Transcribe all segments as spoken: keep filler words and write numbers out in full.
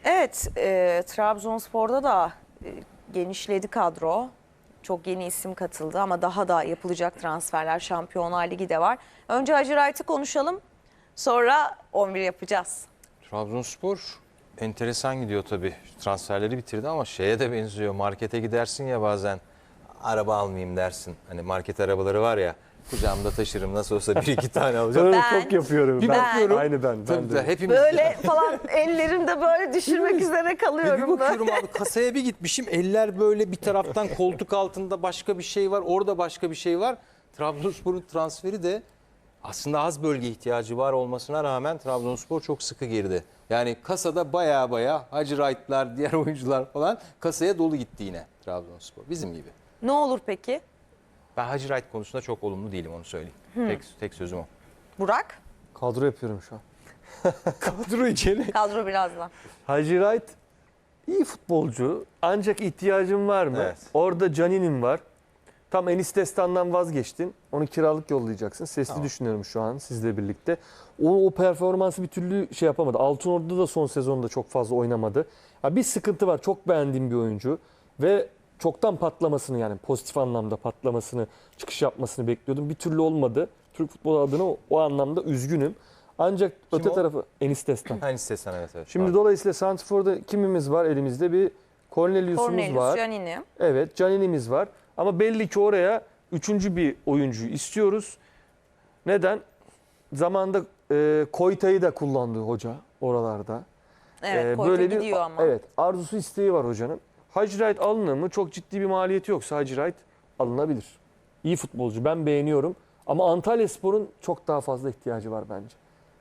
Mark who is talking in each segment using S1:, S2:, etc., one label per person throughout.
S1: Evet, e, Trabzonspor'da da e, genişledi kadro. Çok yeni isim katıldı ama daha da yapılacak transferler. Şampiyonlar Ligi de var. Önce Hacı Wright'ı konuşalım. Sonra on bir yapacağız.
S2: Trabzonspor enteresan gidiyor tabii. Transferleri bitirdi ama şeye de benziyor. Markete gidersin ya bazen. Araba almayayım dersin. Hani market arabaları var ya. Kucağımda taşırım nasıl olsa bir iki tane alacağım.
S3: Ben,
S1: Ben-
S3: çok yapıyorum.
S2: Bir
S3: ben,
S2: bakıyorum.
S3: Aynı ben. ben
S2: Tabii
S3: de.
S2: de hepimiz
S1: Böyle falan ellerimde böyle düşürmek üzere
S2: Ve bir
S1: kalıyorum da.
S2: bakıyorum abi kasaya bir gitmişim. Eller böyle bir taraftan koltuk altında başka bir şey var. Orada başka bir şey var. Trabzonspor'un transferi de aslında az bölge ihtiyacı var olmasına rağmen Trabzonspor çok sıkı girdi. Yani kasada baya baya Hacı Wright'lar, diğer oyuncular falan kasaya dolu gitti yine Trabzonspor. Bizim gibi.
S1: Ne olur peki?
S2: Ben Hacı Wright konusunda çok olumlu değilim onu söyleyeyim. Tek, tek sözüm o.
S1: Burak,
S3: Kadro yapıyorum şu an.
S2: Kadro içeri.
S1: kadro birazdan.
S3: Hacı Wright iyi futbolcu. Ancak ihtiyacın var mı?
S2: Evet.
S3: Orada Canini'nin var. Tam Enis Destan'dan vazgeçtin. Onu kiralık yollayacaksın. Sesli
S2: Tamam.
S3: düşünüyorum şu an sizle birlikte. O, o performansı bir türlü şey yapamadı. Altınordu'da da son sezonda çok fazla oynamadı. Ya bir sıkıntı var. Çok beğendiğim bir oyuncu. Ve çoktan patlamasını yani pozitif anlamda patlamasını, çıkış yapmasını bekliyordum. Bir türlü olmadı. Türk futbolu adına o, o anlamda üzgünüm. Ancak
S2: Kim
S3: öte
S2: o?
S3: tarafı Enis Destan.
S2: Hani istesen evet evet.
S3: Şimdi
S2: Pardon.
S3: dolayısıyla Santrfor'da kimimiz var elimizde? Bir Cornelius'umuz
S1: Cornelius,
S3: var.
S1: Canini.
S3: Evet, Canini'miz var. Ama belli ki oraya üçüncü bir oyuncuyu istiyoruz. Neden? Zamanında e, Koyta'yı da kullandı hoca oralarda.
S1: Evet,
S3: E,
S1: Koyta
S3: bir
S1: gidiyor ama.
S3: Evet, arzusu isteği var hocanın. Hacı Wright alınır mı? Çok ciddi bir maliyeti yoksa Hacı Wright alınabilir. İyi futbolcu. Ben beğeniyorum. Ama Antalyaspor'un çok daha fazla ihtiyacı var bence.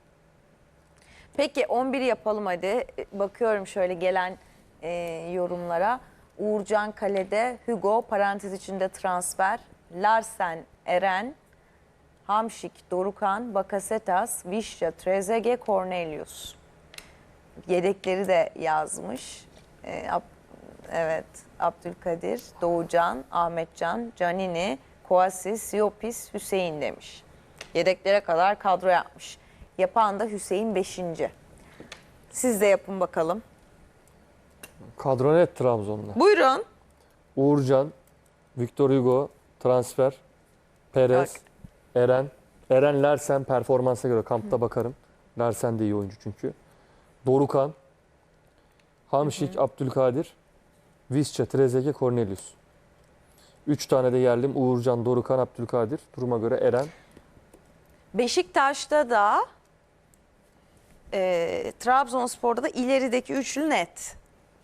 S1: Peki on bir yapalım hadi. Bakıyorum şöyle gelen e, yorumlara. Uğurcan kalede, Hugo parantez içinde transfer, Larsen, Eren, Hamşik, Dorukan, Bakasetas, Vişça, Trezeguet, Cornelius. Yedekleri de yazmış. E, Ab- evet, Abdülkadir, Doğucan, Ahmetcan, Canini, Kouassi, Siopis, Hüseyin demiş. Yedeklere kadar kadro yapmış. Yapan da Hüseyin beşinci. Siz de yapın bakalım.
S3: Kadro net Trabzon'da.
S1: Buyurun.
S3: Uğurcan, Victor Hugo, transfer, Perez,
S1: Bak.
S3: Eren. Eren Larsen performansa göre kampta bakarım. Larsen de iyi oyuncu çünkü. Dorukan, Hamşik, Abdülkadir, Visca, Trezeguet, Cornelius. Üç tane de yerlim. Uğurcan, Dorukan, Abdülkadir. Duruma göre Eren.
S1: Beşiktaş'ta da e, Trabzonspor'da da ilerideki üçlü net.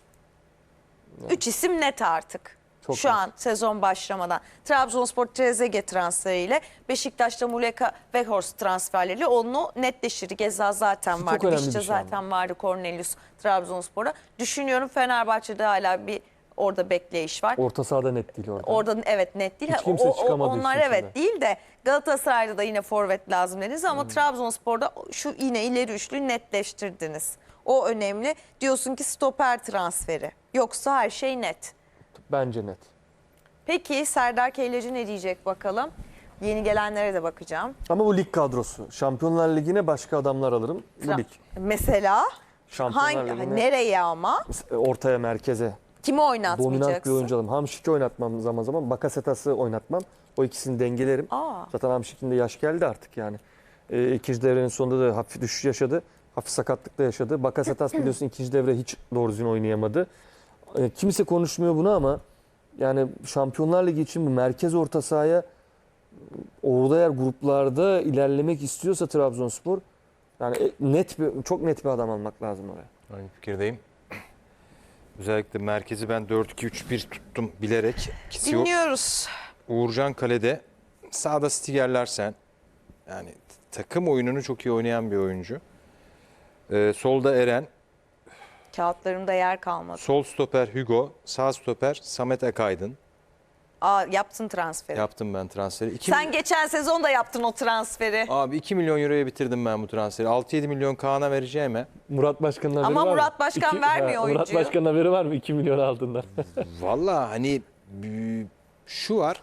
S1: Üç isim net artık.
S3: Çok
S1: Şu
S3: net.
S1: an sezon başlamadan. Trabzonspor Trezeguet transferiyle Beşiktaş'ta Muleka ve Horst transferleriyle onu netleşir. Geza zaten
S3: Çok
S1: vardı.
S3: önemli
S1: Vişça
S3: bir şey ama.
S1: zaten vardı. Cornelius Trabzonspor'a. Düşünüyorum Fenerbahçe'de hala bir orada bekleyiş var.
S3: Orta sahada net değil orada.
S1: Orada evet net değil.
S3: Hiç
S1: Ha,
S3: kimse
S1: o- o-
S3: çıkamadı
S1: onlar
S3: işin
S1: evet
S3: içinden.
S1: değil de Galatasaray'da da yine forvet lazım dediniz
S3: Hmm.
S1: ama Trabzonspor'da şu yine ileri üçlü netleştirdiniz. O önemli. Diyorsun ki stoper transferi. Yoksa her şey net.
S3: Bence net.
S1: Peki Serdar Keyleci ne diyecek bakalım. Yeni gelenlere de bakacağım.
S3: Ama bu lig kadrosu. Şampiyonlar Ligi'ne başka adamlar alırım. Bu lig.
S1: Mesela
S3: Şampiyonlar
S1: hangi
S3: Ligi'ne
S1: nereye ama
S3: ortaya, merkeze.
S1: kimi
S3: Dominant bir
S1: oynatmayacaksın?
S3: oyuncu alırım. Hamşik'i oynatmam zaman zaman. Bakasetas'ı oynatmam. O ikisini dengelerim.
S1: Aa.
S3: Zaten Hamşik'in de yaş geldi artık yani. Ee, ikinci devrenin sonunda da hafif düşüş yaşadı. Hafif sakatlık da yaşadı. Bakasetas biliyorsun ikinci devre hiç doğru düzgün oynayamadı. Ee, kimse konuşmuyor bunu ama yani Şampiyonlar Ligi için bu merkez orta sahaya orada eğer gruplarda ilerlemek istiyorsa Trabzonspor yani e, net bir, çok net bir adam almak lazım oraya.
S2: Aynı fikirdeyim. Özellikle merkezi ben dört iki üç bir tuttum bilerek. İkisi yok.
S1: Dinliyoruz.
S2: Uğurcan kalede. Sağda Stiger Larsen. Yani takım oyununu çok iyi oynayan bir oyuncu. Ee, solda Eren.
S1: Kağıtlarımda yer kalmadı.
S2: Sol stoper Hugo. Sağ stoper Samet Akaydın.
S1: Aa, yaptın transferi.
S2: Yaptım ben transferi. İki
S1: Sen geçen sezon da yaptın o transferi.
S2: Abi iki milyon euroya bitirdim ben bu transferi. altı yedi milyon Kaan'a vereceğime.
S3: Murat Başkan'ın haberi
S1: Ama
S3: var mı?
S1: Murat Başkan vermiyor
S3: ha, Murat
S1: oyuncuyu.
S3: Başkan'ın haberi var mı iki milyon aldığında?
S2: Valla hani e, şu var.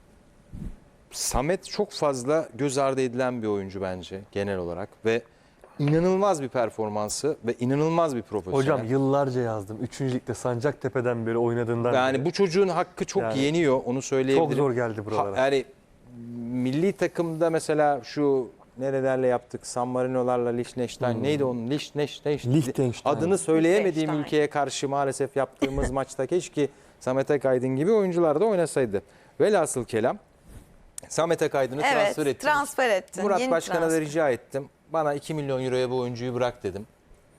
S2: Samet çok fazla göz ardı edilen bir oyuncu bence genel olarak ve inanılmaz bir performansı ve inanılmaz bir profesyonel.
S3: Hocam yıllarca yazdım. Üçüncü ligde Sancaktepe'den beri oynadığından
S2: Yani
S3: beri.
S2: bu çocuğun hakkı çok
S3: Yani
S2: yeniyor, onu söyleyebilirim.
S3: Çok zor geldi buralara.
S2: Ha, yani milli takımda mesela şu nerelerle yaptık? San Marino'larla Liechtenstein.
S3: Hmm.
S2: Neydi onun? Liechtenstein.
S3: Liechtenstein.
S2: Adını söyleyemediğim
S1: Liechtenstein.
S2: ülkeye karşı maalesef yaptığımız maçta keşke Samet Akaydın gibi oyuncular da oynasaydı. Velhasıl kelam Samet Akaydın'ı
S1: Evet,
S2: transfer ettim.
S1: transfer ettin.
S2: Murat
S1: Yeni
S2: Başkan'a da
S1: transfer.
S2: rica ettim. Bana iki milyon euroya bu oyuncuyu bırak dedim.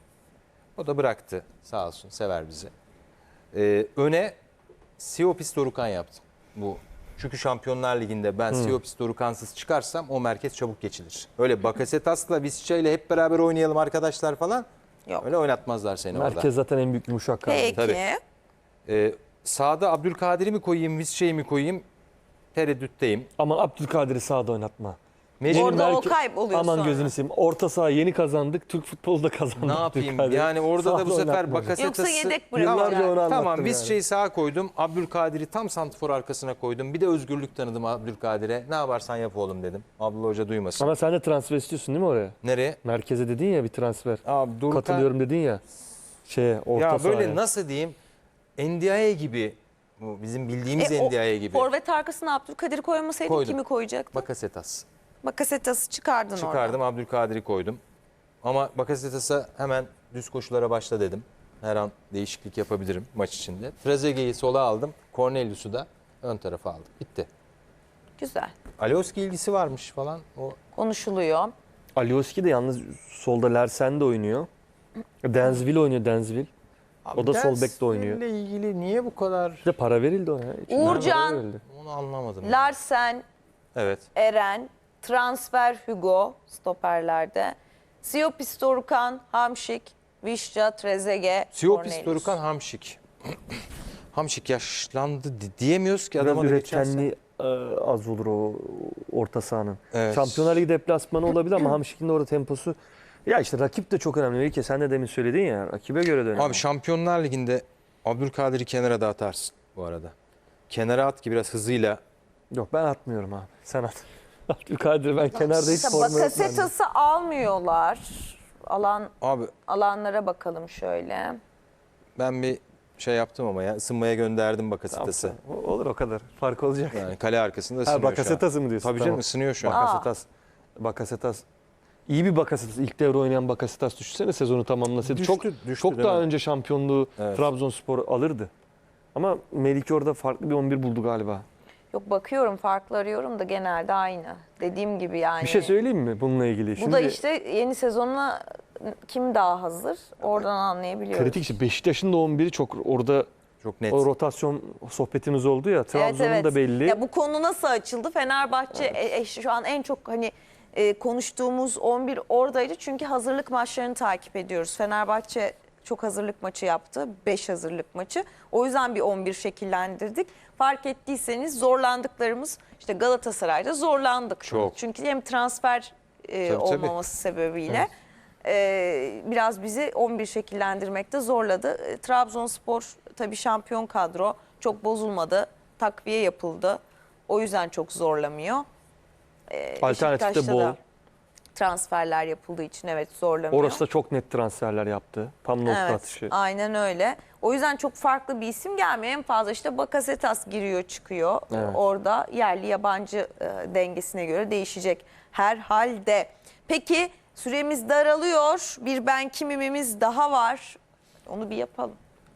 S2: O da bıraktı. Sağ olsun, sever bizi. Ee, öne Siopis Dorukan yaptım. Bu. Çünkü Şampiyonlar Ligi'nde ben Siopis Dorukansız çıkarsam o merkez çabuk geçilir. Öyle Bakasetas'la Visca ile hep beraber oynayalım arkadaşlar falan.
S1: Yok.
S2: Öyle oynatmazlar seni orada.
S3: Merkez zaten en büyük yumuşak kaldı.
S1: Peki.
S2: Tabii. Ee, sağda Abdülkadir'i mi koyayım, Visca'yı mi koyayım? Tereddütteyim.
S3: Aman Abdülkadir'i sağda oynatma.
S2: Mecbur
S1: Orada o
S3: Merke-
S1: kayboluyor
S3: Aman
S1: sonra.
S3: gözünü seveyim. Orta saha yeni kazandık. Türk futbolu da kazandı.
S2: Ne yapayım?
S3: Abdülkadir.
S2: Yani orada da bu
S3: Sağda
S2: sefer
S3: oynatma hocam.
S2: Bakasetas'ı...
S1: Yoksa yedek
S3: Yıllarca
S1: bırakacak.
S3: onu anlattım
S2: Tamam,
S3: yani.
S2: Visca'yı sağa koydum. Abdülkadir'i tam santrfor arkasına koydum. Bir de özgürlük tanıdım Abdülkadir'e. Ne yaparsan yap oğlum dedim. Abdullah Hoca duymasın.
S3: Ama sen de transfer istiyorsun değil mi oraya?
S2: Nereye?
S3: Merkeze dedin ya bir transfer.
S2: Abi Dorukhan-
S3: Katılıyorum dedin ya. Şeye orta
S2: Ya böyle
S3: sahaya.
S2: nasıl diyeyim? N D I A gibi. Bu bizim bildiğimiz
S1: E, o
S2: N D I A gibi.
S1: Forvet arkasına Abdülkadir koymasaydın
S2: Koydum.
S1: kimi koyacaktın?
S2: Bakasetas.
S1: Bakasetas'ı çıkardın
S2: Çıkardım,
S1: oradan.
S2: Abdülkadir'i koydum. Ama Bakasetas'a hemen düz koşulara başla dedim. Her an değişiklik yapabilirim maç içinde. Trezeguet'i sola aldım. Cornelius'u da ön tarafa aldım. Bitti.
S1: Güzel.
S2: Alioski ilgisi varmış falan. O
S1: Konuşuluyor.
S3: Alioski de yalnız solda Larsen de oynuyor. Denzville oynuyor Denzville. O da sol bekte oynuyor.
S2: ile ilgili niye bu kadar
S3: Bir de para verildi ona. İçinden
S1: Uğurcan.
S3: para verildi.
S2: onu anlamadım. yani.
S1: Larsen,
S2: Evet.
S1: Eren, transfer Hugo stoperlerde. Siopis Dorukan, Hamşik, Visca, Trezeguet,
S2: Siopis
S1: Cornelius.
S2: Dorukan Hamşik. Hamşik yaşlandı di- diyemiyoruz ki
S3: Biraz
S2: adama da geçen sene.
S3: üretkenliği e, az olur o orta sahanın.
S2: Evet.
S3: Şampiyonlar Ligi deplasmanı olabilir ama Hamşik'in de orada temposu. Ya işte rakip de çok önemli. Melike sen de demin söyledin ya. Rakibe göre de önemli.
S2: Abi Şampiyonlar Ligi'nde Abdülkadir'i kenara da atarsın bu arada. Kenara at ki biraz hızıyla.
S3: Yok ben atmıyorum abi. Sen at. Abdülkadir ben kenarda hiç
S1: İşte
S3: forma yok bende.
S1: Bakasetas'ı almıyorlar. Alan
S2: Abi
S1: alanlara bakalım şöyle.
S2: ben bir şey yaptım ama ya ısınmaya gönderdim Bakasetas'ı.
S3: Tamam, o- Olur o kadar. Fark olacak.
S2: Yani kale arkasında ısınıyor
S3: Ha
S2: şu an.
S3: Bakasetas'ı mı diyorsun?
S2: Tabii canım ısınıyor şu an.
S1: Aa.
S3: Bakasetas. Bakasetas. İyi bir Bakasetas. İlk devre oynayan Bakasetas düşünsene sezonu tamamlasaydı.
S2: Düştü,
S3: çok
S2: düştü
S3: çok
S2: değil
S3: daha
S2: mi?
S3: önce şampiyonluğu
S2: Evet.
S3: Trabzonspor alırdı. Ama Melike orada farklı bir on bir buldu galiba.
S1: Yok bakıyorum farklı arıyorum da genelde aynı. Dediğim gibi yani.
S3: Bir şey söyleyeyim mi bununla ilgili?
S1: Bu da işte yeni sezonuna kim daha hazır? Oradan anlayabiliyoruz.
S3: kritik işte Beşiktaş'ın da on biri çok orada
S2: Çok net.
S3: o rotasyon sohbetimiz oldu ya. Trabzon'un da belli.
S1: Ya bu konu nasıl açıldı? Fenerbahçe e, e, şu an en çok hani e, konuştuğumuz on bir oradaydı. Çünkü hazırlık maçlarını takip ediyoruz. Fenerbahçe çok hazırlık maçı yaptı. beş hazırlık maçı. O yüzden bir on bir şekillendirdik. Fark ettiyseniz zorlandıklarımız işte Galatasaray'da zorlandık.
S2: Çok.
S1: Çünkü hem transfer e,
S2: Tabii, tabii.
S1: olmaması sebebiyle e, biraz bizi on bir şekillendirmekte zorladı. E, Trabzonspor tabii şampiyon kadro, çok bozulmadı. Takviye yapıldı. O yüzden çok zorlamıyor. E,
S3: Alternatif de
S1: Beşiktaş'ta
S3: bol.
S1: da transferler yapıldığı için evet zorlamıyor.
S3: Orası da çok net transferler yaptı. Tam nokta
S1: Evet,
S3: atışı.
S1: aynen öyle. O yüzden çok farklı bir isim gelmiyor. En fazla işte Bakasetas giriyor çıkıyor.
S3: Evet.
S1: Orada yerli yabancı e, dengesine göre değişecek herhalde. Peki süremiz daralıyor. Bir ben kimimimiz daha var. Onu bir yapalım.